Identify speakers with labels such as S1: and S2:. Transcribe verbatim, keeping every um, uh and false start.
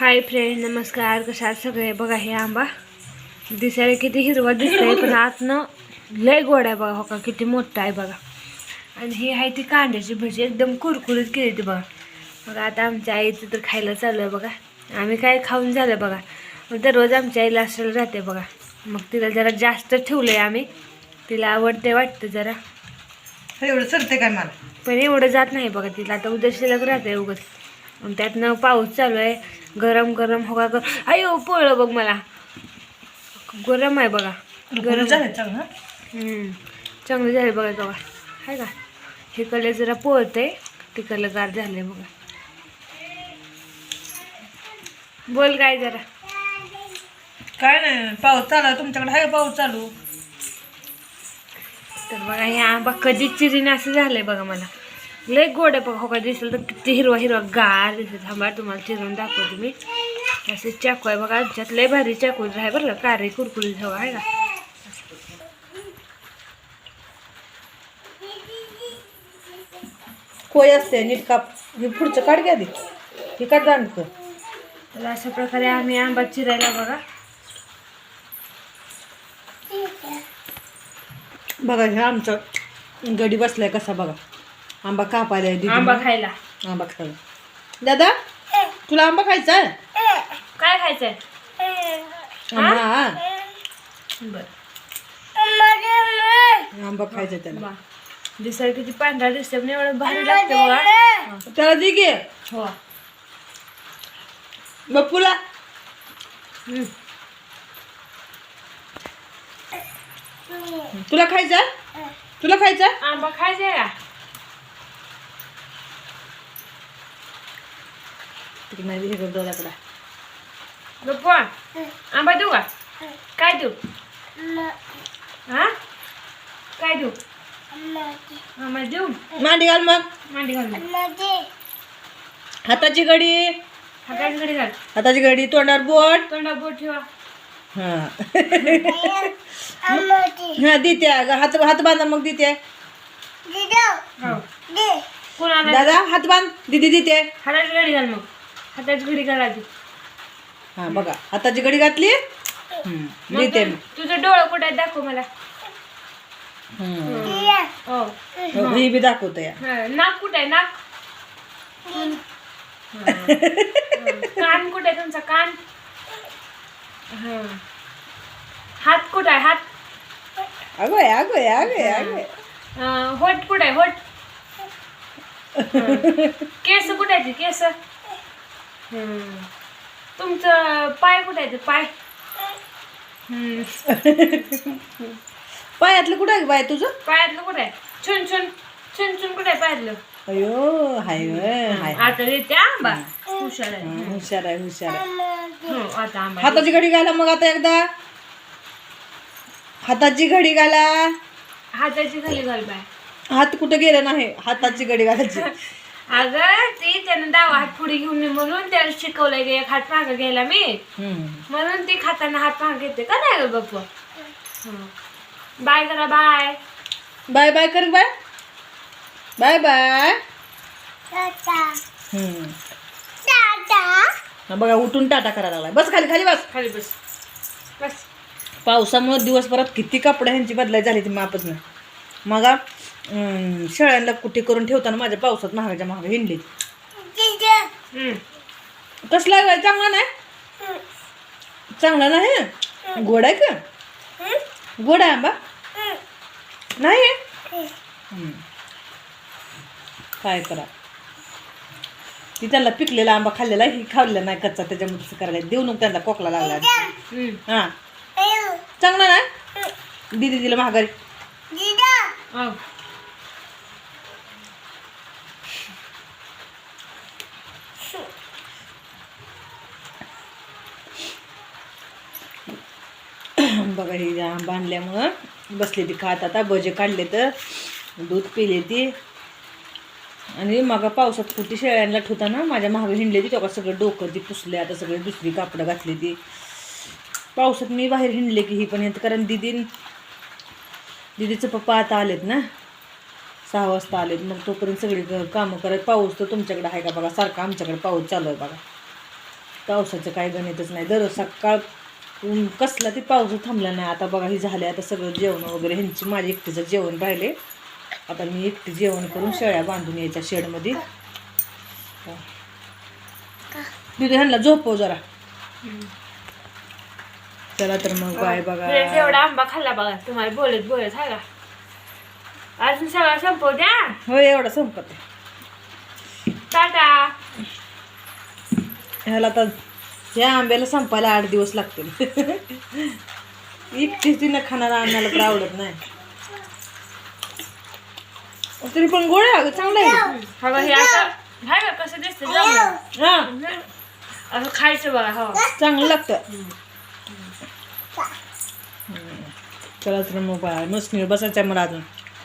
S1: Hi friend, नमस्कार. कशा आहात सगळे? बघा हे आंबा दिसायला किती हिरवा दिसतंय, पण आतनं लय गोड आहे बघा. हो का, किती मोठा आहे बघा. आणि ही आहे ती कांद्याची भजी, एकदम कुरकुरीत केली ती बघा. बघा आता आमच्या आईचं तर खायला चालू आहे बघा. आम्ही काय खाऊन झालं बघा. दररोज आमच्या आईला असं राहते बघा. मग तिला जरा जास्त ठेवलंय आम्ही, तिला आवडते वाटतं जरा.
S2: एवढं सरते काय मला,
S1: पण एवढं जात नाही बघा तिला. आता उद्या शिल्लक राहते उगत. आणि त्यातनं पाऊस चालू आहे, गरम गरम हो का. अयो पोळलं बघ मला, गरम आहे बघा. गरम
S2: झालं चांगलं.
S1: हम्म चांगलं झालं बघा बघा, आहे का. हे कलर जरा पोळतंय, ते कलर गार झाले बघा. बोल काय जरा.
S2: काय नाही, पाऊस चालू तुमच्याकडे आहे पाऊस चालू.
S1: तर बघा हे आंबा कधी चिरीने असं झालंय बघा. मला लय गोड आहे बघा. हो का, दिसलं तर किती हिरवा हिरवा गार दिसत. थांबा तुम्हाला चिरून दाखवते मी. असे चाकू आहे बघा, आमच्यात लय भारी चाकू आहे बरं का. कारी कुरकुरीत हवा आहे का.
S2: कोय असते नीट काप. हे पुढचं काढ घ्या आधी, हे काढ जाणतं.
S1: तर अशा प्रकारे आम्ही आंबा चिरायला बघा.
S2: बघा हे आमचं गडी बसलाय कसा बघा. आंबा कापायला आहे दीदी.
S1: आंबा खायला.
S2: आंबा खायला. दादा तुला आंबा खायचा आहे?
S1: काय खायचंय?
S2: आंबा.
S1: बर,
S2: आंबा खायचा त्याला.
S1: बा दिसायला किती पांढरा दिसते, पण एवढं भारी लागते बघा.
S2: त्याला दे घे.
S1: हो.
S2: बप्पूला
S1: हम्म.
S2: तुला खायचा? तुला खायचा?
S1: आंबा खायचंय का?
S2: तिकडे नाही हे करतो दादाकडे.
S1: गप्पा आंबा देऊ का? काय देऊ? हा काय देऊ? आंबा देऊ.
S2: मांडी घाल मग.
S1: मांडी घाल मग.
S2: हाताची घडी.
S1: हाताची घडी घाल.
S2: हाताची घडी, तोंडावर बोट.
S1: तोंडा बोट ठेवा.
S2: हा हा देते. हात हात बांधा मग देते.
S1: हो. कोणाला?
S2: दादा हात बांध. दीदी देते.
S1: हाताची घडी घाल मग. हाताची घडी घाल आधी.
S2: हा बघा हाताची घडी घातली.
S1: मग
S2: देते.
S1: तू- तुझं डोळं कुठे आहे दाखव मला. हो.
S2: ही बी दाखवतो या.
S1: हा, नाक कुठे आहे? नाक. हा. हा. कान कुठे आहे तुमचा? कान. हा. हात कुठे आहे? हात.
S2: अगो आहे अगो आहे अगो आहे अगो आहे.
S1: अं, होट कुठे आहे? होट. हा. केस कुठे आहे? केस. हम्म. तुमचं पाय कुठे आहे? पाय. हम्म.
S2: पायातलं कुठं आहे बाय तुझं?
S1: पायातलं कुठे आहे? छुन छुन छुन छुन कुठे आहे पायातलं?
S2: अयो हाय व्हय, हाय.
S1: आता देते आंबा. हुशार आहे.
S2: हा, हुशार आहे हुशार आहे.
S1: हो, आता आंबा.
S2: हाताची घडी घाला मग आता एकदा. हाताची घडी घाला.
S1: हाताची खाली घाल बाय.
S2: हात कुठं गेला नाही, हाताची घडी घालायची.
S1: अगं ती त्यानं डावा हात पुढे घेऊन ये म्हणून त्याला शिकवलंय की एक हात मागं घ्यायला मी.
S2: हम्म.
S1: म्हणून ती खाताना हात मागं घेते का नाही ग बाप्पा. बाय करा. बाय
S2: बाय बाय कर बाय. Bye bye. हम्म. हा बघा उठून टाटा करायला लागलाय. बस खाली खाली बस.
S1: खाली बस बस.
S2: पावसामुळे दिवसभरात किती कपडे ह्यांची बदलाय झाली ती मापच नाही. मग अं, शेळ्यांना कुठे करून ठेवताना माझ्या पावसात महागाच्या महाग हिंडली.
S1: हम्म.
S2: कसला आहे बाई? चांगला नाही. चांगला नाही. गोड आहे का? गोड आहे आंबा नाही आहे? हम्म. काय करा. ती त्यांना पिकलेला आंबा खाल्लेला, ही खाल्लेला नाही कच्चा, त्याच्यामुळे तसं करायला. देऊ नको त्यांना खोकला लागला.
S1: हम्म.
S2: हा चांगला नाही. दिदी दिलं महागारी.
S1: हो.
S2: बघा ही आंबा आणल्यामुळं बसले ती खात. आता भजे काढले तर दूध पिले ती. आणि मग पावसात कुठे शेळ्यांना ठेवताना माझ्या महाग हिंडले ती. तेव्हा सगळं डोकं ती पुसले. आता सगळे दुसरी कापडं घातली ती. पावसात मी बाहेर हिंडले की ही पण येत, कारण दिदी दिदीचं पप्पा आता आलेत ना. सहा वाजता आलेत. मग तोपर्यंत सगळी कामं करत. पाऊस तर तुमच्याकडे आहे का बघा, सारखा आमच्याकडे पाऊस चालू आहे बघा. पावसाचं काय गणितच नाही. दर सकाळ ऊन कसला ते पाऊस थांबला नाही. आता बघा ही झाले आता सगळं जेवण वगैरे ह्यांची माझी एकटीचं जेवण राहिले. आता मी एकटी जेवण करून शेळ्या बांधून यायच्या शेडमध्ये. तिथे ह्यांना झोपव जरा. चला तर मग बाय बघा.
S1: एवढा आंबा खाल्ला बघा तुम्हाला बोलत बोलत हा का. अजून सगळं संपव द्या.
S2: हो एवढा संपत
S1: टाटा.
S2: ह्याला तर ह्या आंब्याला संपायला आठ दिवस लागतील. एकटीच तिनं खाणारा आम्हाला तर आवडत नाही. तरी पण गोड आहे अगं, चांगलं आहे.
S1: हा हे असं हाय का कसं दिसतं जमलं.
S2: हा
S1: असं खायचं बघा. हो
S2: चांगलं लागतं. चला तर मग बाय मस्त बसायचं मला अजून.